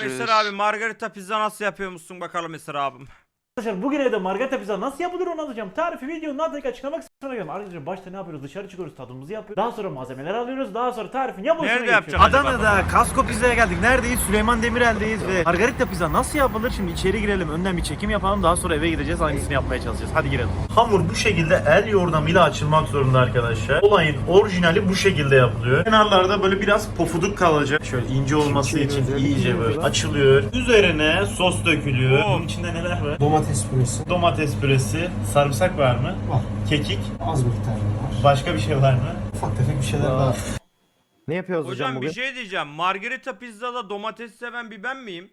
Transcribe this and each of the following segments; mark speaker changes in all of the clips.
Speaker 1: Eser abi, margarita pizza nasıl yapıyormuşsun bakalım Eser abim.
Speaker 2: Arkadaşlar bugün evde margarita pizza nasıl yapılır onu anlatacağım. Tarifi videonun altındaki açıklamak kısmına gelin. Arkadaşlar başta ne yapıyoruz? Dışarı çıkıyoruz, tadımızı yapıyoruz. Daha sonra malzemeleri alıyoruz. Daha sonra tarifin yapılışına
Speaker 1: Nerede
Speaker 2: geçiyoruz.
Speaker 1: yapacaksın?
Speaker 3: Adana'da Kasko Pizza'ya geldik. Neredeyiz? Süleyman Demirel'deyiz ve margarita pizza nasıl yapılır? Şimdi içeri girelim. Önden bir çekim yapalım. Daha sonra eve gideceğiz. Hangisini yapmaya çalışacağız? Hadi girelim. Hamur bu şekilde el yordamıyla açılmak zorunda arkadaşlar. Olayın orijinali bu şekilde yapılıyor. Kenarlarda böyle biraz pofuduk kalacak. Şöyle ince olması için iyice böyle açılıyor. Üzerine sos dökülüyor. Bunun içinde neler var?
Speaker 4: Domates püresi
Speaker 3: Domates püresi. Sarımsak var mı?
Speaker 4: var.
Speaker 3: Kekik.
Speaker 4: Az miktarda var.
Speaker 3: Başka bir şey var mı?
Speaker 4: Ufak tefek bir şeyler daha.
Speaker 5: Ne yapıyoruz hocam,
Speaker 1: Hocam
Speaker 5: bugün?
Speaker 1: bir şey diyeceğim. Margarita pizzada domates seven bir ben miyim?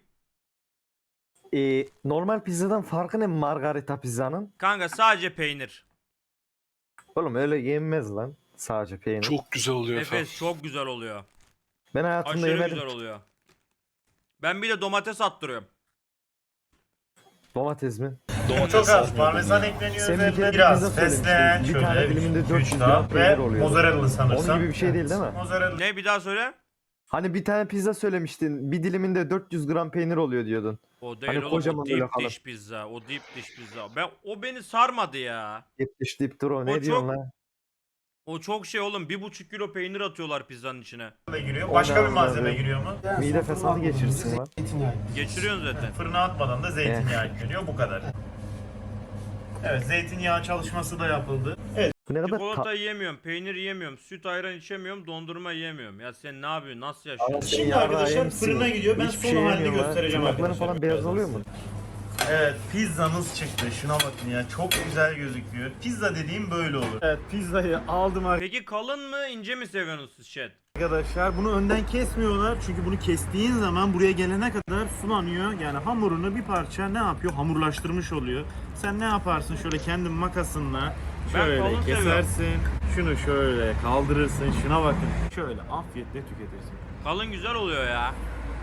Speaker 5: Normal pizzadan farkı ne margarita pizzanın?
Speaker 1: Kanka sadece peynir.
Speaker 5: Oğlum öyle yenmez lan. Sadece peynir.
Speaker 6: Çok güzel oluyor efendim.
Speaker 1: Nefes çok güzel oluyor.
Speaker 5: Ben hayatımda
Speaker 1: Aşırı
Speaker 5: yemedim.
Speaker 1: güzel oluyor. Ben bir de domates attırıyorum.
Speaker 5: Domates mi?
Speaker 3: Çok az parmesan ekleniyor
Speaker 5: Sen bir
Speaker 3: üzerine.
Speaker 5: kere
Speaker 3: Biraz
Speaker 5: pizza
Speaker 3: fesleğen
Speaker 5: söylemiştin. Bir tane
Speaker 3: şöyle
Speaker 5: diliminde
Speaker 3: 2-3
Speaker 5: 400
Speaker 3: daha
Speaker 5: gram
Speaker 3: ve
Speaker 5: peynir oluyordu.
Speaker 3: mozzarella sanırsam.
Speaker 5: Onun gibi bir şey değil mi?
Speaker 3: Mozzarella.
Speaker 1: Ne, bir daha söyle?
Speaker 5: Hani bir tane pizza söylemiştin. Bir diliminde 400 gram peynir oluyor diyordun.
Speaker 1: O değil
Speaker 5: Hani
Speaker 1: oğlum,
Speaker 5: kocaman
Speaker 1: o
Speaker 5: böyle
Speaker 1: deep
Speaker 5: kalır.
Speaker 1: dish pizza. O deep dish pizza. O beni sarmadı ya.
Speaker 5: 70 deyip dur o. Ne
Speaker 1: O
Speaker 5: diyorsun
Speaker 1: çok-
Speaker 5: lan?
Speaker 1: O çok şey oğlum, 1,5 kilo peynir atıyorlar pizzanın içine.
Speaker 3: Giriyor. Başka bir
Speaker 5: Ondan
Speaker 3: malzeme
Speaker 5: sonra-
Speaker 3: giriyor mu?
Speaker 5: Mide fesadı geçirirsin lan.
Speaker 4: Zeytinyağı.
Speaker 1: Geçiriyorsun zaten.
Speaker 3: Fırına atmadan da zeytinyağı ekleniyor. Bu kadar. Evet, zeytinyağı çalışması da yapıldı. Evet,
Speaker 5: Bu ne kadar
Speaker 1: Çikolata yiyemiyorum, peynir yiyemiyorum, süt ayran içemiyorum, dondurma yiyemiyorum. Ya sen ne yapıyorsun? Nasıl yaşıyorsun?
Speaker 3: şimdi
Speaker 5: yarağı
Speaker 3: arkadaşlar
Speaker 5: yemişsin.
Speaker 3: fırına gidiyor. Ben
Speaker 5: Hiçbir
Speaker 3: son
Speaker 5: şey
Speaker 3: halini
Speaker 5: yemiyorum lan.
Speaker 3: göstereceğim
Speaker 5: Tırnakların
Speaker 3: arkadaşlar.
Speaker 5: falan beyaz oluyor mu?
Speaker 3: Evet, pizzamız çıktı. Şuna bakın ya. Çok güzel gözüküyor. Pizza dediğim böyle olur. Evet, pizzayı aldım
Speaker 1: Peki kalın mı, ince mi seviyorsunuz siz chat?
Speaker 3: arkadaşlar. Bunu önden kesmiyorlar. Çünkü bunu kestiğin zaman buraya gelene kadar sulanıyor. Yani hamurunu bir parça ne yapıyor? Hamurlaştırmış oluyor. Sen ne yaparsın? Şöyle kendi makasınla
Speaker 1: Ben
Speaker 3: şöyle
Speaker 1: kalın
Speaker 3: kesersin. Şunu şöyle kaldırırsın. Şuna bakın. Şöyle afiyetle tüketirsin.
Speaker 1: Kalın güzel oluyor ya.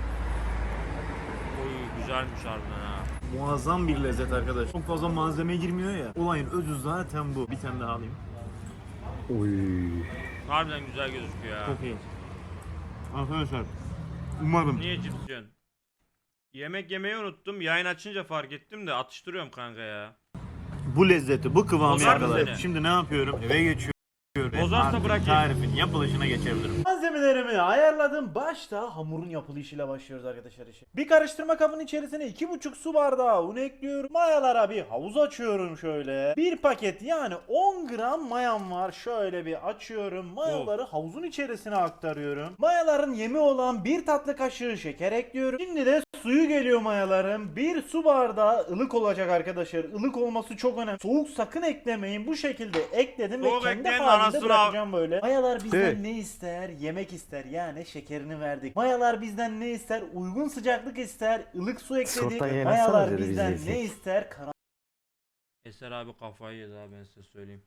Speaker 1: Oy, güzelmiş harbiden ha.
Speaker 3: Muazzam bir lezzet arkadaş. Çok fazla malzeme girmiyor ya. Olayın özü zaten bu. Bir tane daha alayım.
Speaker 5: Uy.
Speaker 1: Harbiden güzel gözüküyor ya.
Speaker 3: Çok iyi. Arkadaşlar umarım
Speaker 1: Niye cips yiyorsun? Yemek yemeyi unuttum. Yayın açınca fark ettim de atıştırıyorum kanka ya.
Speaker 3: bu lezzeti, bu kıvamı
Speaker 1: Bozar mı
Speaker 3: yakalayıp
Speaker 1: seni?
Speaker 3: şimdi ne yapıyorum? Eve geçiyorum.
Speaker 1: Bozarsa
Speaker 3: Artık
Speaker 1: bırakayım.
Speaker 3: tarifin yapılışına geçebilirim.
Speaker 2: Malzemelerimi ayarladım. Başta hamurun yapılışıyla başlıyoruz arkadaşlar işe. Bir karıştırma kabının içerisine 2,5 su bardağı un ekliyorum. Mayalara bir havuz açıyorum şöyle. Bir paket yani 10 gram mayam var. Şöyle bir açıyorum. Mayaları havuzun içerisine aktarıyorum. Mayaların yemi olan 1 tatlı kaşığı şeker ekliyorum. Şimdi de suyu geliyor mayaların. 1 su bardağı ılık olacak arkadaşlar. Ilık olması çok önemli. Soğuk sakın eklemeyin. Bu şekilde ekledim
Speaker 1: Soğuk
Speaker 2: ve kendi
Speaker 1: ekleyin de
Speaker 2: halinde
Speaker 1: anasını
Speaker 2: bırakacağım böyle. Mayalar bizden
Speaker 5: Evet.
Speaker 2: ne ister? Yemek ister. Yani şekerini verdik. Mayalar bizden ne ister? Uygun sıcaklık ister. Ilık su ekledik.
Speaker 5: Şorttan yenesene
Speaker 2: Mayalar
Speaker 5: dedi, biz
Speaker 2: bizden
Speaker 5: yesek.
Speaker 2: ne ister?
Speaker 1: Eser abi kafayı yedi abi, ben size söyleyeyim.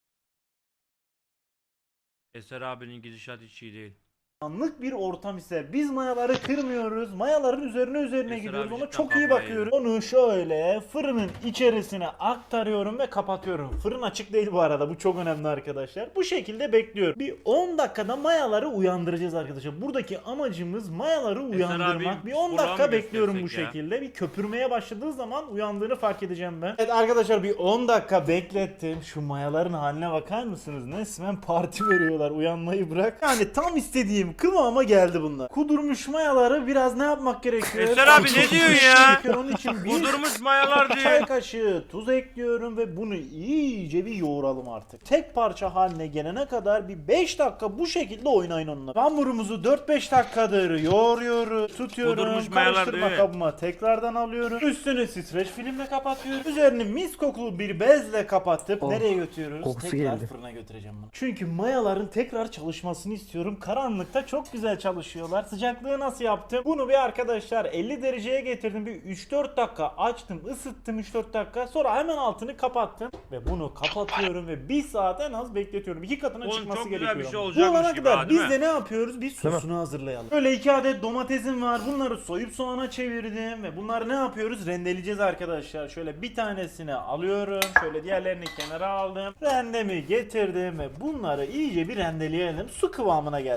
Speaker 1: Eser abinin gidişat hiç iyi değil.
Speaker 2: Karanlık bir ortam ise biz mayaları kırmıyoruz. Mayaların üzerine
Speaker 1: Eser
Speaker 2: gidiyoruz.
Speaker 1: abi
Speaker 2: Ona
Speaker 1: cidden
Speaker 2: çok iyi
Speaker 1: kafayı
Speaker 2: bakıyoruz. Onu şöyle fırının içerisine aktarıyorum ve kapatıyorum. Fırın açık değil bu arada. Bu çok önemli arkadaşlar. Bu şekilde bekliyorum. Bir 10 dakikada mayaları uyandıracağız arkadaşlar. Buradaki amacımız mayaları uyandırmak.
Speaker 1: abi,
Speaker 2: Bir 10
Speaker 1: Burak'ı
Speaker 2: dakika
Speaker 1: mı
Speaker 2: bekliyorum bu
Speaker 1: göstersek ya?
Speaker 2: şekilde. Bir köpürmeye başladığı zaman uyandığını fark edeceğim ben. Evet arkadaşlar, bir 10 dakika beklettim. Şu mayaların haline bakar mısınız? Resmen parti veriyorlar. Uyanmayı bırak. Yani tam istediğim kıvama geldi bunlar. Kudurmuş mayaları biraz ne yapmak gerekiyor?
Speaker 1: Eser abi ne diyorsun ya?
Speaker 2: Onun için bir
Speaker 1: Kudurmuş mayalar
Speaker 2: çay
Speaker 1: diyor.
Speaker 2: kaşığı tuz ekliyorum ve bunu iyice bir yoğuralım artık. Tek parça haline gelene kadar bir 5 dakika bu şekilde oynayın onunla. Hamurumuzu 4-5 dakikadır yoğuruyoruz, tutuyorum.
Speaker 1: Kudurmuş mayalar
Speaker 2: Karıştırma
Speaker 1: diyor.
Speaker 2: kabıma tekrardan alıyorum. Üstünü streç filmle kapatıyorum. Üzerini mis kokulu bir bezle kapatıp
Speaker 5: Oh,
Speaker 2: nereye götürüyoruz?
Speaker 5: kokusu
Speaker 2: Tekrar
Speaker 5: geldi.
Speaker 2: fırına götüreceğim bunu. Çünkü mayaların tekrar çalışmasını istiyorum. Karanlıkta çok güzel çalışıyorlar. Sıcaklığı nasıl yaptım? Bunu bir arkadaşlar 50 dereceye getirdim. Bir 3-4 dakika açtım, ısıttım 3-4 dakika. Sonra hemen altını kapattım ve bunu kapatıyorum ve 1 saat en az bekletiyorum. 2 katına
Speaker 1: Oğlum
Speaker 2: çıkması
Speaker 1: çok güzel
Speaker 2: gerekiyor.
Speaker 1: bir şey
Speaker 2: ama.
Speaker 1: olacakmış
Speaker 2: Bu olana
Speaker 1: gibi
Speaker 2: kadar
Speaker 1: ha, değil
Speaker 2: biz
Speaker 1: mi?
Speaker 2: de ne yapıyoruz? Bir sosunu hazırlayalım. Böyle 2 adet domatesim var. Bunları soyup soğana çevirdim ve bunları ne yapıyoruz? Rendeleyeceğiz arkadaşlar. Şöyle bir tanesini alıyorum. Şöyle diğerlerini kenara aldım. Rendemi getirdim ve bunları iyice bir rendeleyelim. Su kıvamına gelsin. Domates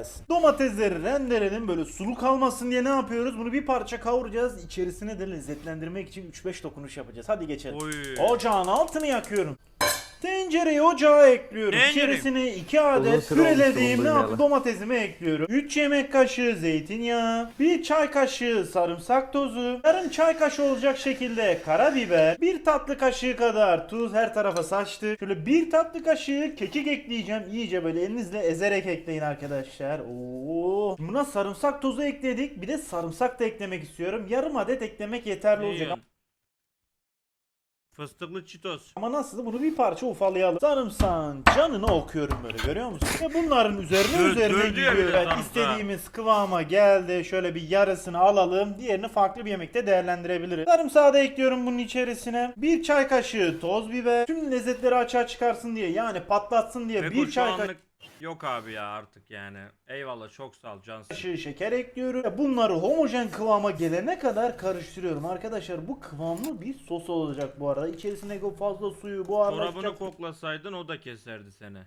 Speaker 2: Domatesleri rendeledim böyle sulu kalmasın diye ne yapıyoruz? Bunu bir parça kavuracağız. İçerisine de lezzetlendirmek için 3-5 dokunuş yapacağız. Hadi geçelim.
Speaker 1: Oy.
Speaker 2: Ocağın altını yakıyorum. Tencereyi ocağa ekliyorum.
Speaker 1: Tencere.
Speaker 2: İçerisine 2
Speaker 5: Uzun
Speaker 2: adet
Speaker 5: süre olmuştur
Speaker 2: pürelediğim
Speaker 5: bunu
Speaker 2: ne
Speaker 5: duymayalı.
Speaker 2: yapayım? Domatesimi ekliyorum. 3 yemek kaşığı zeytinyağı, 1 çay kaşığı sarımsak tozu, yarım çay kaşığı olacak şekilde karabiber, 1 tatlı kaşığı kadar tuz her tarafa saçtı. Şöyle 1 tatlı kaşığı kekik ekleyeceğim. İyice böyle elinizle ezerek ekleyin arkadaşlar. Oo. Buna sarımsak tozu ekledik. Bir de sarımsak da eklemek istiyorum. Yarım adet eklemek yeterli
Speaker 1: Ne
Speaker 2: olacak.
Speaker 1: yiyorsun? Fıstıklı çitos.
Speaker 2: Ama nasıl? Bunu bir parça ufalayalım. Sarımsağın canını okuyorum böyle, görüyor musun? Ve bunların üzerine
Speaker 1: Dövdü
Speaker 2: üzerine
Speaker 1: ya bir
Speaker 2: gidiyor.
Speaker 1: de
Speaker 2: Evet,
Speaker 1: sarımsağı.
Speaker 2: istediğimiz kıvama geldi. Şöyle bir yarısını alalım. Diğerini farklı bir yemekte değerlendirebiliriz. Sarımsağı da ekliyorum bunun içerisine. 1 çay kaşığı toz biber. Tüm lezzetleri açığa çıkarsın diye, yani patlatsın diye
Speaker 1: Beko
Speaker 2: 1
Speaker 1: şu
Speaker 2: çay
Speaker 1: anlık yok abi ya artık yani. Eyvallah çok sağ ol cansın.
Speaker 2: kaşığı şeker ekliyorum. Ve bunları homojen kıvama gelene kadar karıştırıyorum. Arkadaşlar bu kıvamlı bir sos olacak bu arada. İçerisindeki o fazla suyu buharlaşacak.
Speaker 1: Çorabını koklasaydın o da keserdi seni.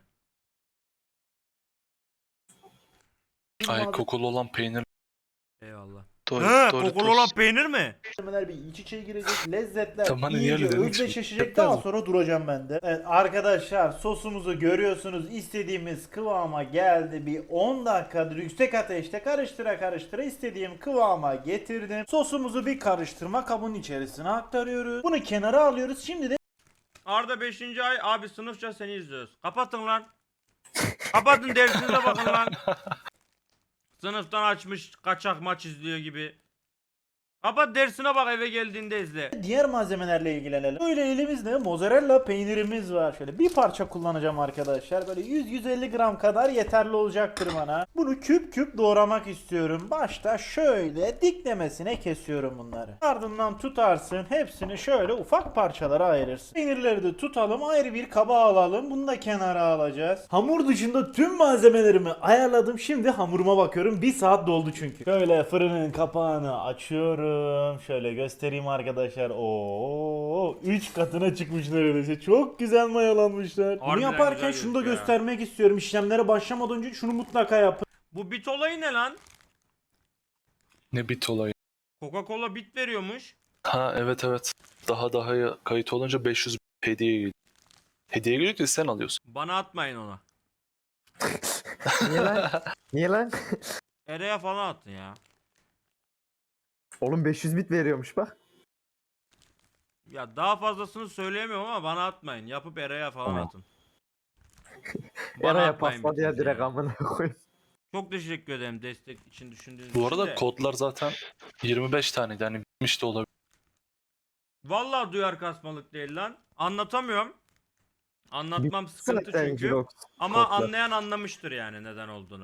Speaker 6: Ay kokulu olan peynir.
Speaker 1: Eyvallah.
Speaker 6: Doğru,
Speaker 1: He,
Speaker 6: doğru,
Speaker 1: kokulu
Speaker 6: doğru.
Speaker 1: olan peynir mi?
Speaker 2: Malzemeler bir iç içe girecek. Lezzetler
Speaker 6: Tamam, niye
Speaker 2: iyice
Speaker 6: öyle dedin ki?
Speaker 2: özdeşleşecek.
Speaker 6: Yapmaz
Speaker 2: Daha
Speaker 6: mı?
Speaker 2: sonra duracağım ben de. Evet, arkadaşlar sosumuzu görüyorsunuz. İstediğimiz kıvama geldi. Bir 10 dakikadır yüksek ateşte karıştıra istediğim kıvama getirdim. Sosumuzu bir karıştırma kabının içerisine aktarıyoruz. Bunu kenara alıyoruz. Şimdi de
Speaker 1: Arda 5. ay abi sınıfça seni izliyoruz. Kapatın lan. Kapatın dersinize bakın lan. Sınıftan açmış kaçak maç izliyor gibi. Kapat dersine bak eve geldiğinde izle.
Speaker 2: diğer malzemelerle ilgilenelim. Böyle elimizde mozzarella peynirimiz var. Şöyle bir parça kullanacağım arkadaşlar. Böyle 100-150 gram kadar yeterli olacaktır bana. Bunu küp küp doğramak istiyorum. Başta şöyle diklemesine kesiyorum bunları. Ardından tutarsın. Hepsini şöyle ufak parçalara ayırırsın. Peynirleri de tutalım. Ayrı bir kaba alalım. Bunu da kenara alacağız. Hamur dışında tüm malzemelerimi ayarladım. Şimdi hamuruma bakıyorum. 1 saat doldu çünkü. Şöyle fırının kapağını açıyorum. Şöyle göstereyim arkadaşlar. Oo, 3 katına çıkmış neredeyse. Çok güzel mayalanmışlar. Bunu
Speaker 1: Harbiden
Speaker 2: yaparken
Speaker 1: güzel
Speaker 2: şunu da
Speaker 1: gözüküyor ya.
Speaker 2: göstermek istiyorum. İşlemlere başlamadan önce şunu mutlaka yapın.
Speaker 1: Bu bit olayı ne lan?
Speaker 6: Ne bit olayı.
Speaker 1: Coca-Cola bit veriyormuş.
Speaker 6: Ha, evet evet. Daha kayıt olunca 500 hediye geliyor. Hediye geliyor ki sen alıyorsun.
Speaker 1: Bana atmayın ona.
Speaker 5: Niye lan? Niye lan?
Speaker 1: Ereğe falan atın ya.
Speaker 5: Oğlum 500 bit veriyormuş bak.
Speaker 1: Ya daha fazlasını söyleyemiyorum ama bana atmayın. Yapıp Ereğe falan
Speaker 6: Tamam.
Speaker 1: atın. Bana
Speaker 5: Yaraya
Speaker 1: atmayın
Speaker 5: pasladı ya
Speaker 1: bitiniz
Speaker 5: direkt
Speaker 1: ya.
Speaker 5: amına koyayım.
Speaker 1: Çok teşekkür ederim destek için düşündüğünüz
Speaker 6: Bu
Speaker 1: için
Speaker 6: arada
Speaker 1: de.
Speaker 6: kodlar zaten 25 taneydi. Yani bitmiş de olabilir.
Speaker 1: Vallahi duyar kasmalık değil lan. Anlatamıyorum. Anlatmam sıkıntı
Speaker 5: Zaten
Speaker 1: çünkü.
Speaker 5: Jirox
Speaker 1: Ama
Speaker 5: kodlar.
Speaker 1: anlayan anlamıştır yani neden olduğunu.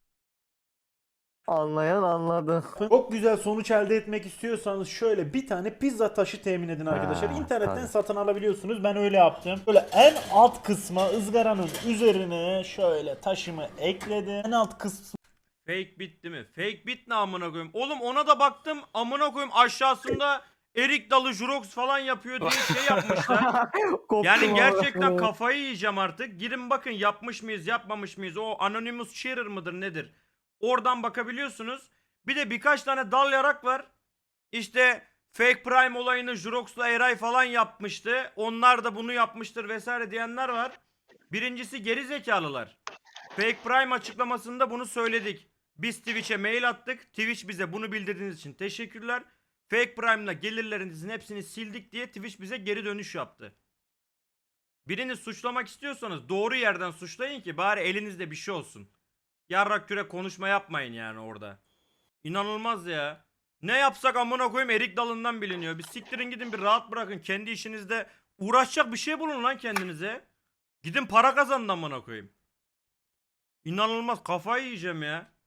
Speaker 5: Anlayan anladı.
Speaker 2: Çok güzel sonuç elde etmek istiyorsanız şöyle bir tane pizza taşı temin edin arkadaşlar.
Speaker 5: Ha,
Speaker 2: İnternetten
Speaker 5: tabii.
Speaker 2: satın alabiliyorsunuz. Ben öyle yaptım. Böyle en alt kısma ızgaranın üzerine şöyle taşımı ekledim. En alt kısmı
Speaker 1: Fake bit değil mi? Fake bit ne amına koyayım? Oğlum ona da baktım amına koyayım aşağısında erik dalı jurox falan yapıyor diye şey yapmışlar.
Speaker 5: Koptum
Speaker 1: Yani
Speaker 5: amına
Speaker 1: gerçekten
Speaker 5: koyayım.
Speaker 1: kafayı yiyeceğim artık. Girin bakın yapmış mıyız yapmamış mıyız? O Anonymous Sharer mıdır nedir? Oradan bakabiliyorsunuz. Bir de birkaç tane dal yarak var. İşte Fake Prime olayını Jurox'la Eray falan yapmıştı. Onlar da bunu yapmıştır vesaire diyenler var. Birincisi geri zekalılar. Fake Prime açıklamasında bunu söyledik. Biz Twitch'e mail attık. Twitch bize bunu bildirdiğiniz için teşekkürler. Fake Prime'la gelirlerinizin hepsini sildik diye Twitch bize geri dönüş yaptı. Birini suçlamak istiyorsanız doğru yerden suçlayın ki bari elinizde bir şey olsun. Yarrak küre konuşma yapmayın yani orada. İnanılmaz ya. Ne yapsak amına koyayım erik dalından biliniyor. Bir siktirin gidin bir rahat bırakın. Kendi işinizde uğraşacak bir şey bulun lan kendinize. Gidin para kazanın amına koyayım. İnanılmaz kafayı yiyeceğim ya.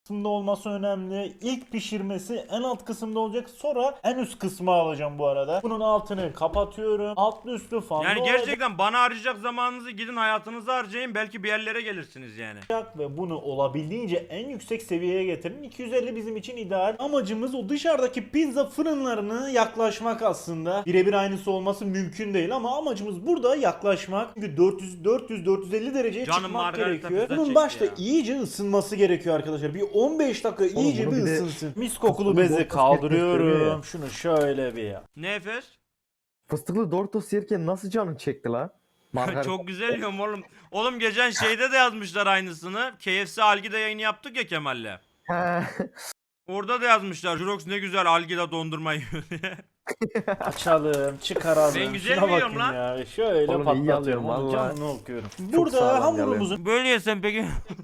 Speaker 2: kısmında olması önemli. İlk pişirmesi en alt kısımda olacak. Sonra en üst kısmı alacağım bu arada. Bunun altını kapatıyorum. Altlı üstlü fazla
Speaker 1: Yani gerçekten bana harcayacak zamanınızı gidin hayatınızı harcayın. Belki bir yerlere gelirsiniz yani.
Speaker 2: olacak ve bunu olabildiğince en yüksek seviyeye getirin. 250 bizim için ideal. Amacımız o dışarıdaki pizza fırınlarına yaklaşmak aslında. Birebir aynısı olması mümkün değil ama amacımız burada yaklaşmak. Çünkü 400-450 dereceye
Speaker 1: Canım
Speaker 2: çıkmak
Speaker 1: margarita
Speaker 2: gerekiyor.
Speaker 1: pizza
Speaker 2: Bunun
Speaker 1: çekti
Speaker 2: başta
Speaker 1: ya.
Speaker 2: iyice ısınması gerekiyor arkadaşlar. Bir 15 dakika iyice
Speaker 5: bunu
Speaker 2: bir
Speaker 5: bir de
Speaker 2: ısınsın. Mis kokulu
Speaker 5: fıstıklı
Speaker 2: bezi
Speaker 5: Doritos gösteriyor
Speaker 2: kaldırıyorum.
Speaker 5: ya.
Speaker 2: Şunu şöyle bir ya.
Speaker 1: Ne Efes?
Speaker 5: Fıstıklı Doritos yerken nasıl canın çekti la? Margaret.
Speaker 1: Çok güzel yiyorum oğlum. Oğlum geçen şeyde de yazmışlar aynısını. KFC Algida yayını yaptık ya Kemal'le.
Speaker 5: He.
Speaker 1: Orada da yazmışlar. Jurox ne güzel Algida dondurma yiyor diye.
Speaker 2: Açalım, çıkaralım.
Speaker 1: Ben güzel
Speaker 2: Şuna
Speaker 1: yiyorum
Speaker 2: bakın
Speaker 1: lan.
Speaker 2: ya. Şöyle
Speaker 5: Oğlum iyi
Speaker 2: patlatıyorum.
Speaker 5: alıyorum
Speaker 2: Onun
Speaker 5: vallahi.
Speaker 2: canını okuyorum.
Speaker 5: sağlam
Speaker 2: Burada hamurumuzun
Speaker 1: Böyle yesem peki.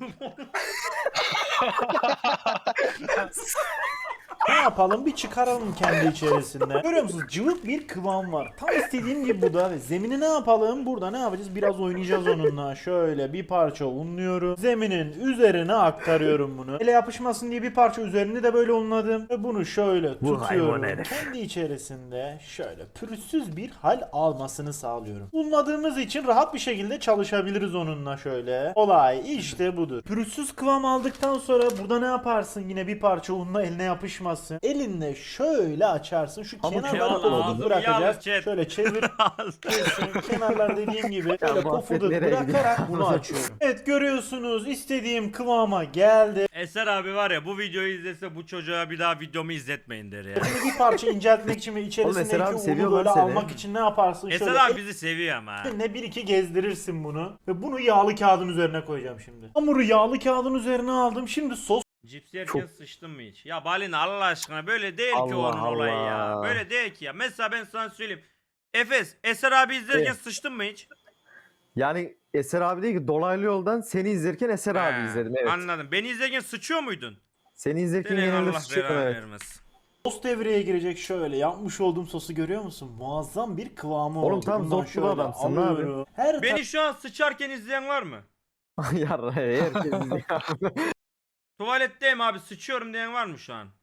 Speaker 2: ne yapalım? Bir çıkaralım kendi içerisinde. Görüyor musunuz? Cıvık bir kıvam var. Tam istediğim gibi bu da. Ve zemini ne yapalım? Burada ne yapacağız? Biraz oynayacağız onunla. Şöyle bir parça unluyorum. Zeminin üzerine aktarıyorum bunu. Ele yapışmasın diye bir parça üzerinde de böyle unladım. Ve bunu şöyle
Speaker 5: Bu
Speaker 2: tutuyorum.
Speaker 5: hayvan herif.
Speaker 2: Kendi içerisinde şöyle pürüzsüz bir hal almasını sağlıyorum. Unladığımız için rahat bir şekilde çalışabiliriz onunla şöyle. Olay işte budur. Pürüzsüz kıvam aldıktan sonra burada ne yaparsın? Yine bir parça unla eline yapışmasın. Elinle şöyle açarsın. Şu
Speaker 5: Ama
Speaker 2: kenarları
Speaker 1: çok
Speaker 2: pofuduk
Speaker 1: ağzım
Speaker 2: bırakacağız.
Speaker 1: yalnız chat.
Speaker 2: Şöyle çevir. Kenarlar dediğim gibi böyle
Speaker 5: bu
Speaker 2: pofuduk
Speaker 5: nereye
Speaker 2: bırakarak
Speaker 5: gidiyor?
Speaker 2: bunu açıyorum. Evet görüyorsunuz istediğim kıvama geldi.
Speaker 1: Eser abi var ya bu videoyu izlese bu çocuğa bir daha videomu izletmeyin der ya.
Speaker 2: Şimdi bir parça inceltmek için ve
Speaker 5: Eser
Speaker 2: içerisindeki
Speaker 5: abi
Speaker 2: unu
Speaker 5: seviyor
Speaker 2: böyle
Speaker 5: lan seni.
Speaker 2: almak için ne yaparsın?
Speaker 1: Eser
Speaker 2: Şöyle
Speaker 1: abi bizi seviyor ama.
Speaker 2: elinle bir iki gezdirirsin bunu. Ve bunu yağlı kağıdın üzerine koyacağım şimdi. Hamuru yağlı kağıdın üzerine aldım. Şimdi sos
Speaker 1: Cips yerken sıçtın mı hiç? Ya Balina Allah aşkına böyle değil ki
Speaker 5: Allah
Speaker 1: onun olayı ya.
Speaker 5: Allah.
Speaker 1: Böyle değil ki ya. Mesela ben sana söyleyeyim. Efes, Eser abi izlerken
Speaker 5: Evet.
Speaker 1: sıçtın mı hiç?
Speaker 5: Yani Eser abi değil ki dolaylı yoldan seni izlerken Eser abi
Speaker 1: He,
Speaker 5: izledim evet.
Speaker 1: Anladım. Beni izlerken sıçıyor muydun?
Speaker 5: Seni izlerken
Speaker 1: Senin
Speaker 5: genelde
Speaker 1: Allah
Speaker 5: sıçıyordum
Speaker 1: belanı
Speaker 5: evet.
Speaker 1: vermesin.
Speaker 2: sos devreye girecek şöyle. Yapmış olduğum sosu görüyor musun? Muazzam bir kıvamı
Speaker 5: Oğlum
Speaker 2: oldu.
Speaker 5: tam
Speaker 2: Bundan
Speaker 5: zotlu
Speaker 2: şöyle
Speaker 5: adamsın, ne
Speaker 2: alıyorum. Her
Speaker 1: Beni şu an sıçarken izleyen var mı?
Speaker 5: Yarra herkes izliyor.
Speaker 1: Tuvaletteyim abi sıçıyorum diyen var mı şu an?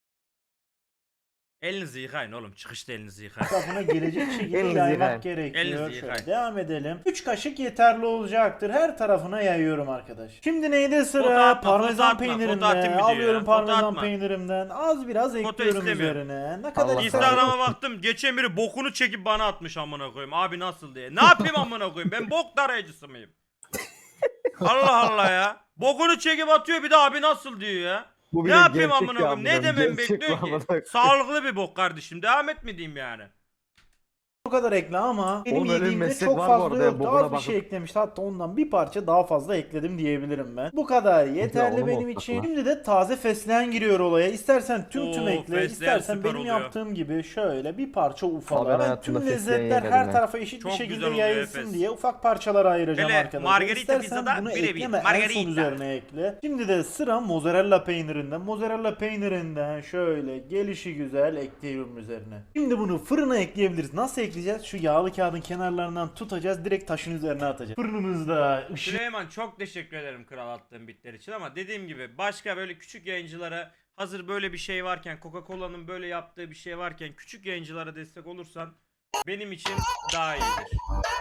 Speaker 1: Elinizi yıkayın oğlum. Çıkışta elinizi yıkayın.
Speaker 2: tarafına gelecek şekilde
Speaker 5: Elinizi
Speaker 2: yaymak
Speaker 5: yıkayın.
Speaker 2: gerekiyor.
Speaker 1: Elinizi
Speaker 2: Şöyle
Speaker 1: yıkayın.
Speaker 2: devam edelim. 3 kaşık yeterli olacaktır. Her tarafına yayıyorum arkadaş. Şimdi neyde sıra?
Speaker 1: Foto atma,
Speaker 2: Parmesan
Speaker 1: foto atma, foto atayım
Speaker 2: peynirimden.
Speaker 1: video
Speaker 2: Alıyorum
Speaker 1: ya. Foto
Speaker 2: parmesan
Speaker 1: atma.
Speaker 2: peynirimden. Az biraz ekliyorum
Speaker 1: istemiyorum.
Speaker 2: üzerine. Ne kadar
Speaker 5: Allah
Speaker 2: istersen.
Speaker 1: Instagram'a baktım. Geçen biri bokunu çekip bana atmış amına koyayım. Abi nasıl diye. Ne yapayım amına koyayım? Ben bok tarayıcısı mıyım? Allah Allah ya. Bokunu çekip atıyor bir de abi nasıl diyor ya.
Speaker 5: Bu
Speaker 1: Ne
Speaker 5: bir de
Speaker 1: yapayım
Speaker 5: gerçek
Speaker 1: amına
Speaker 5: ya,
Speaker 1: koyayım? Ne
Speaker 5: amına
Speaker 1: demem
Speaker 5: gerçek
Speaker 1: bekliyor
Speaker 5: bu amına
Speaker 1: ki?
Speaker 5: koyayım.
Speaker 1: Sağlıklı bir bok kardeşim. Devam et mi diyeyim yani?
Speaker 2: Bu kadar ekle ama benim
Speaker 5: Oğlum öyle bir
Speaker 2: yediğimde
Speaker 5: meslek
Speaker 2: çok
Speaker 5: var bu
Speaker 2: fazla
Speaker 5: arada,
Speaker 2: yoktu.
Speaker 5: bokuna
Speaker 2: Az bir
Speaker 5: bakıp.
Speaker 2: şey eklemişti. Hatta ondan bir parça daha fazla ekledim diyebilirim ben. Bu kadar yeterli
Speaker 5: onu mu
Speaker 2: benim
Speaker 5: olsak
Speaker 2: için.
Speaker 5: lan?
Speaker 2: Şimdi de taze fesleğen giriyor olaya. İstersen tüm
Speaker 1: Oo,
Speaker 2: ekle,
Speaker 1: fesleğen
Speaker 2: istersen
Speaker 1: süper
Speaker 2: benim
Speaker 1: oluyor.
Speaker 2: yaptığım gibi şöyle bir parça
Speaker 5: Abi
Speaker 2: ufala.
Speaker 5: ben
Speaker 2: Ben
Speaker 5: hayatımda
Speaker 2: tüm
Speaker 5: fesleğen
Speaker 2: lezzetler
Speaker 5: yemedim
Speaker 2: her
Speaker 5: ya.
Speaker 2: tarafa eşit
Speaker 1: Çok
Speaker 2: bir
Speaker 1: güzel
Speaker 2: şekilde
Speaker 1: oluyor
Speaker 2: yayılsın
Speaker 1: Efes.
Speaker 2: diye ufak parçalara ayıracağım
Speaker 1: Hele
Speaker 2: arkadaşlar.
Speaker 1: margarita
Speaker 2: İstersen
Speaker 1: pizzada
Speaker 2: bunu
Speaker 1: birebir.
Speaker 2: ekleme, en
Speaker 1: Margarita.
Speaker 2: son üzerine ekle. Şimdi de sıra mozzarella peynirinden. Mozzarella peynirinden şöyle gelişi güzel ekliyorum üzerine. Şimdi bunu fırına ekleyebiliriz. Nasıl ekleyeceğiz? Şu yağlı kağıdın kenarlarından tutacağız. Direkt taşın üzerine atacağız. Fırınımızda ışık
Speaker 1: Süleyman çok teşekkür ederim kral attığın bitler için ama dediğim gibi başka böyle küçük yayıncılara hazır böyle bir şey varken Coca-Cola'nın böyle yaptığı bir şey varken küçük yayıncılara destek olursan benim için daha iyidir.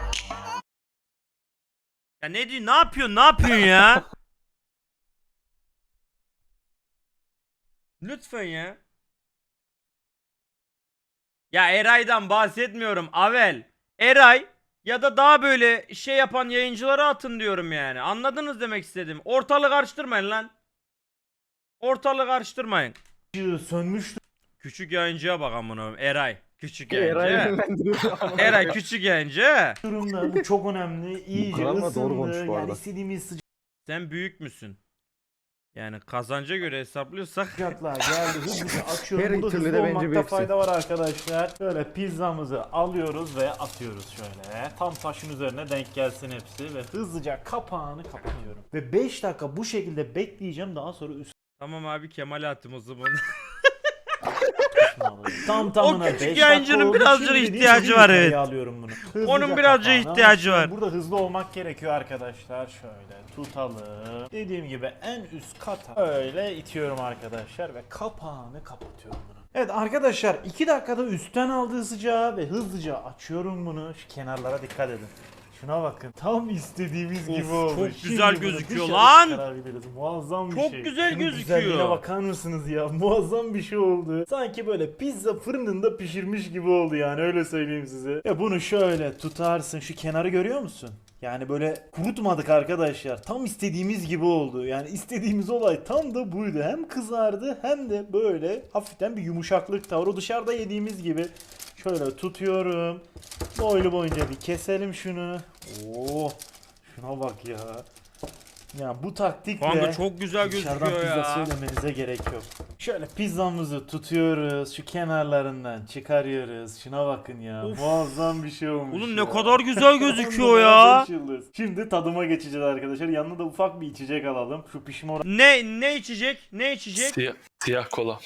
Speaker 1: Ya ne diyor? Ne yapıyorsun? Ne yapıyorsun ya? Lütfen ya. Ya Eray'dan bahsetmiyorum. Avel, Eray ya da daha böyle şey yapan yayıncılara atın diyorum yani. Anladınız demek istedim. Ortalığı karıştırmayın lan. Ortalığı karıştırmayın.
Speaker 2: sönmüştü.
Speaker 1: Küçük yayıncıya bak amına koyayım. Eray. Küçük
Speaker 5: Eray
Speaker 1: yayıncı.
Speaker 5: yönlendiriyor.
Speaker 1: Eray küçük yayıncı.
Speaker 2: Durumda bu çok önemli. İyice
Speaker 5: kıvamla doğru konuş
Speaker 2: ısındı.
Speaker 5: bu
Speaker 2: Yani
Speaker 5: arada.
Speaker 2: istediğimiz
Speaker 1: Sen büyük müsün? Yani kazanca göre hesaplıyorsak
Speaker 2: sıcaklığa geldi. Hızlıca açıyorum.
Speaker 5: Her
Speaker 2: Burada
Speaker 5: türlü
Speaker 2: hızlı
Speaker 5: de bence
Speaker 2: olmakta
Speaker 5: büyüksün.
Speaker 2: fayda var arkadaşlar. Şöyle pizzamızı alıyoruz ve atıyoruz şöyle. Tam taşın üzerine denk gelsin hepsi ve hızlıca kapağını kapatıyorum. Ve 5 dakika bu şekilde bekleyeceğim. Daha sonra üstüne
Speaker 1: tamam abi Kemal atım o zaman.
Speaker 2: alıyorum. Tam tamına
Speaker 1: O küçük
Speaker 2: 5 dakika
Speaker 1: yayıncının
Speaker 2: oldu.
Speaker 1: birazcık
Speaker 2: Şimdi
Speaker 1: ihtiyacı
Speaker 2: dediğim
Speaker 1: var,
Speaker 2: gibi
Speaker 1: evet.
Speaker 2: alıyorum bunu. Hızlıca
Speaker 1: Onun birazcık
Speaker 2: kapağını
Speaker 1: ihtiyacı
Speaker 2: açıyorum.
Speaker 1: var.
Speaker 2: Burada hızlı olmak gerekiyor arkadaşlar. Şöyle tutalım. Dediğim gibi en üst kata öyle itiyorum arkadaşlar ve kapağını kapatıyorum bunu. Evet arkadaşlar 2 dakikada üstten aldığı sıcağı ve hızlıca açıyorum bunu. Şu kenarlara dikkat edin. Şuna bakın. Tam istediğimiz
Speaker 1: Of,
Speaker 2: gibi oldu.
Speaker 1: çok
Speaker 2: Şimdi
Speaker 1: güzel
Speaker 2: bunu
Speaker 1: gözüküyor
Speaker 2: dışarı
Speaker 1: lan.
Speaker 2: çıkarabiliriz. Muazzam bir
Speaker 1: Çok
Speaker 2: şey.
Speaker 1: güzel
Speaker 2: Şunun
Speaker 1: gözüküyor.
Speaker 2: güzelliğine bakar mısınız ya? Muazzam bir şey oldu. Sanki böyle pizza fırınında pişirmiş gibi oldu yani öyle söyleyeyim size. Ya bunu şöyle tutarsın. Şu kenarı görüyor musun? Yani böyle kurutmadık arkadaşlar. Tam istediğimiz gibi oldu. Yani istediğimiz olay tam da buydu. Hem kızardı hem de böyle hafiften bir yumuşaklık da var. O dışarıda yediğimiz gibi. Şöyle tutuyorum. Boylu boyunca bir keselim şunu. Oo, şuna bak ya. Ya bu taktikle
Speaker 1: Kanka çok güzel
Speaker 2: dışarıdan
Speaker 1: gözüküyor
Speaker 2: pizza
Speaker 1: ya.
Speaker 2: söylemenize gerek yok. Şöyle pizzamızı tutuyoruz. Şu kenarlarından çıkarıyoruz. Şuna bakın ya.
Speaker 1: Of.
Speaker 2: Muazzam bir şey olmuş
Speaker 1: Oğlum
Speaker 2: ya.
Speaker 1: ne kadar güzel gözüküyor
Speaker 2: On
Speaker 1: ya.
Speaker 2: numara 5 yıldız. Şimdi tadıma geçeceğiz arkadaşlar. Yanına da ufak bir içecek alalım. Şu pişme oranı.
Speaker 1: Ne içecek? Ne içecek?
Speaker 6: Siyah kola.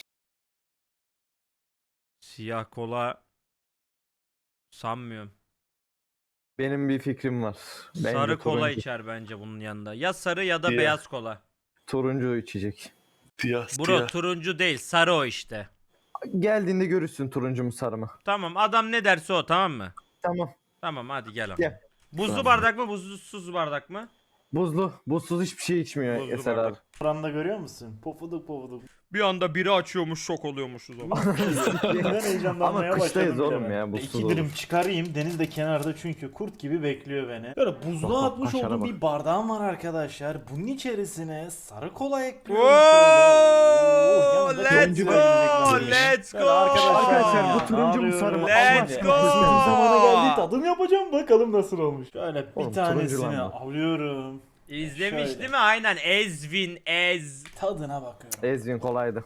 Speaker 1: Siyah kola sanmıyorum.
Speaker 5: Benim bir fikrim var. Bence
Speaker 1: Sarı kola
Speaker 5: turuncu,
Speaker 1: içer bence bunun yanında. Ya sarı ya da
Speaker 6: Siyah.
Speaker 1: beyaz kola.
Speaker 5: turuncu içecek.
Speaker 6: Siyah.
Speaker 1: Bro turuncu değil, sarı o işte.
Speaker 5: Geldiğinde görürsün turuncu mu sarı mı.
Speaker 1: Tamam, adam ne derse o, tamam mı?
Speaker 5: Tamam.
Speaker 1: Tamam hadi gel.
Speaker 5: Gel.
Speaker 1: Buzlu
Speaker 5: Tamam.
Speaker 1: bardak mı, buzsuz bardak mı?
Speaker 5: Buzlu. Buzsuz hiçbir şey içmiyor
Speaker 1: Buzlu
Speaker 5: Eser
Speaker 1: bardak.
Speaker 5: abi.
Speaker 2: Oranında görüyor musun? Pofuduk pofuduk.
Speaker 1: Bir anda biri açıyormuş, şok oluyormuşuz ama.
Speaker 2: Ben heyecanlanmaya
Speaker 5: Ama kıştayız
Speaker 2: başladım
Speaker 5: oğlum
Speaker 2: bile
Speaker 5: ya,
Speaker 2: ben.
Speaker 5: buzsuz
Speaker 2: İki dilim
Speaker 5: olur.
Speaker 2: çıkarayım. Deniz de kenarda çünkü kurt gibi bekliyor beni. Böyle buzluğa
Speaker 5: Bak,
Speaker 2: atmış
Speaker 5: kaşara
Speaker 2: olduğum
Speaker 5: bak.
Speaker 2: bir bardağım var arkadaşlar. Bunun içerisine sarı kola ekliyorum.
Speaker 1: Whoa,
Speaker 2: Yanında
Speaker 1: let's
Speaker 2: çok
Speaker 1: go,
Speaker 2: güzel bir
Speaker 1: let's
Speaker 2: Böyle
Speaker 1: go.
Speaker 5: Arkadaşlar, bu turuncu mu sarı mı?
Speaker 1: Let's
Speaker 2: Allah
Speaker 1: go.
Speaker 2: ya. İstediğim zamana geldi, tadım yapacağım, bakalım nasıl olmuş. Şöyle bir
Speaker 5: Oğlum, turuncu
Speaker 2: tanesini
Speaker 5: lan bu.
Speaker 2: alıyorum.
Speaker 1: İzlemiş
Speaker 2: Şöyle.
Speaker 1: değil mi? Aynen. Ezvin, Ez.
Speaker 2: Tadına bakıyorum.
Speaker 5: Ezvin kolaydı.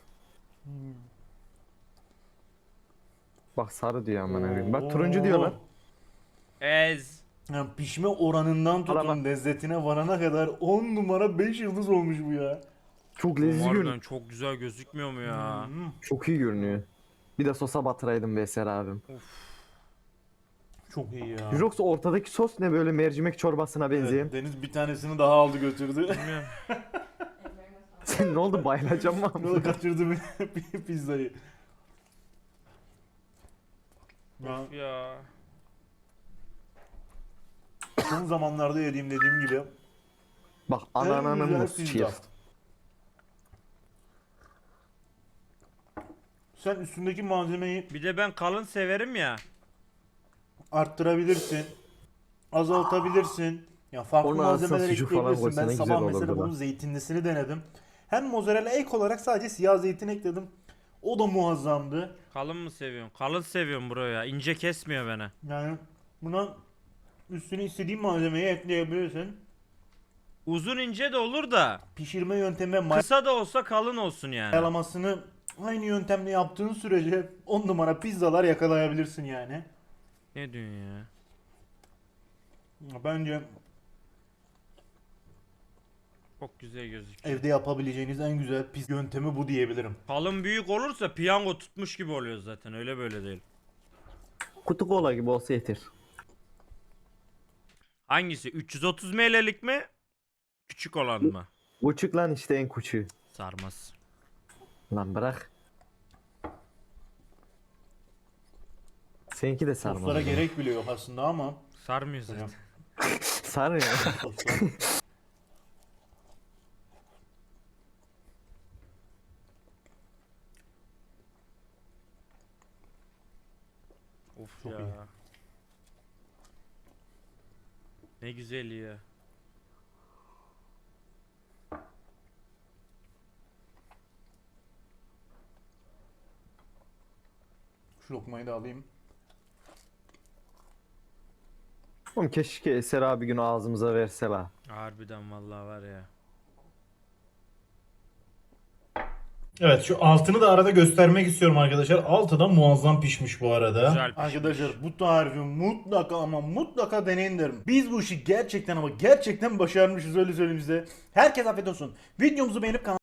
Speaker 5: Bak sarı diyor aman abim. Bak turuncu diyor lan.
Speaker 1: Ez.
Speaker 2: Yani pişme oranından tutun
Speaker 5: Arama.
Speaker 2: lezzetine varana kadar 10 numara 5 yıldız olmuş bu ya.
Speaker 5: Çok lezzetli
Speaker 1: Harbiden
Speaker 5: görünüyor.
Speaker 1: çok güzel gözükmüyor mu ya?
Speaker 5: Çok iyi görünüyor. Bir de sosa batıraydım be Eser abim.
Speaker 2: Çok iyi ya.
Speaker 5: Yoksa ortadaki sos ne böyle mercimek çorbasına benzeyen?
Speaker 2: Evet, Deniz bir tanesini daha aldı götürdü.
Speaker 1: Bilmiyorum.
Speaker 5: Sen ne oldu bayılacağım mı?
Speaker 2: Yola kaçırdı bir pizzayı. Ya,
Speaker 1: Ya.
Speaker 2: son zamanlarda yediğim dediğim gibi
Speaker 5: Bak
Speaker 2: en
Speaker 5: anananın
Speaker 2: güzel
Speaker 5: muz
Speaker 2: pizza.
Speaker 5: cheers.
Speaker 2: Sen üstündeki malzemeyi
Speaker 1: Bir de ben kalın severim ya.
Speaker 2: arttırabilirsin. Azaltabilirsin. Ya farklı
Speaker 5: Ona
Speaker 2: malzemeler
Speaker 5: aslında sucuk falan
Speaker 2: ekleyebilirsin. Ben
Speaker 5: koysan ne
Speaker 2: sabah
Speaker 5: güzel
Speaker 2: mesela
Speaker 5: olurdu
Speaker 2: bunun
Speaker 5: lan.
Speaker 2: zeytinlisini denedim. Hem mozzarella ek olarak sadece siyah zeytin ekledim. O da muazzamdı.
Speaker 1: Kalın mı seviyorsun? Kalın seviyorum bro ya. İnce kesmiyor beni.
Speaker 2: Yani buna üstüne istediğin malzemeyi ekleyebilirsin.
Speaker 1: Uzun ince de olur da.
Speaker 2: Pişirme yöntemi ve
Speaker 1: Kısa da olsa kalın olsun yani.
Speaker 2: mayalamasını aynı yöntemle yaptığın sürece 10 numara pizzalar yakalayabilirsin yani.
Speaker 1: Ne diyorsun ya?
Speaker 2: Bence
Speaker 1: Çok güzel gözüküyor.
Speaker 2: evde yapabileceğiniz en güzel pizza yöntemi bu diyebilirim.
Speaker 1: Kalın büyük olursa piyango tutmuş gibi oluyor zaten. Öyle böyle değil.
Speaker 5: Kutu kola gibi olsa yeter.
Speaker 1: Hangisi? 330 ml'lik mi? Küçük olan mı?
Speaker 5: Buçuk lan işte en küçüğü.
Speaker 1: Sarmaz.
Speaker 5: Lan bırak. Seninki de sarmaz.
Speaker 2: Soslara gerek bile yok aslında ama
Speaker 1: Sarmıyor zaten.
Speaker 5: Sar ya.
Speaker 2: soslar.
Speaker 1: Of
Speaker 2: Çok
Speaker 1: ya.
Speaker 2: iyi.
Speaker 1: Ne güzel ya.
Speaker 2: Şu lokmayı da alayım.
Speaker 5: Oğlum keşke Eser abi günü ağzımıza verse la.
Speaker 1: Harbiden vallahi var ya.
Speaker 2: Evet şu altını da arada göstermek istiyorum arkadaşlar. Altı da muazzam pişmiş bu arada.
Speaker 1: Güzel pişmiş.
Speaker 2: Arkadaşlar bu tarifi mutlaka ama mutlaka deneyin derim. Biz bu işi gerçekten ama gerçekten başarmışız öyle söyleyeyim size. Herkes afiyet olsun. Videomuzu beğenip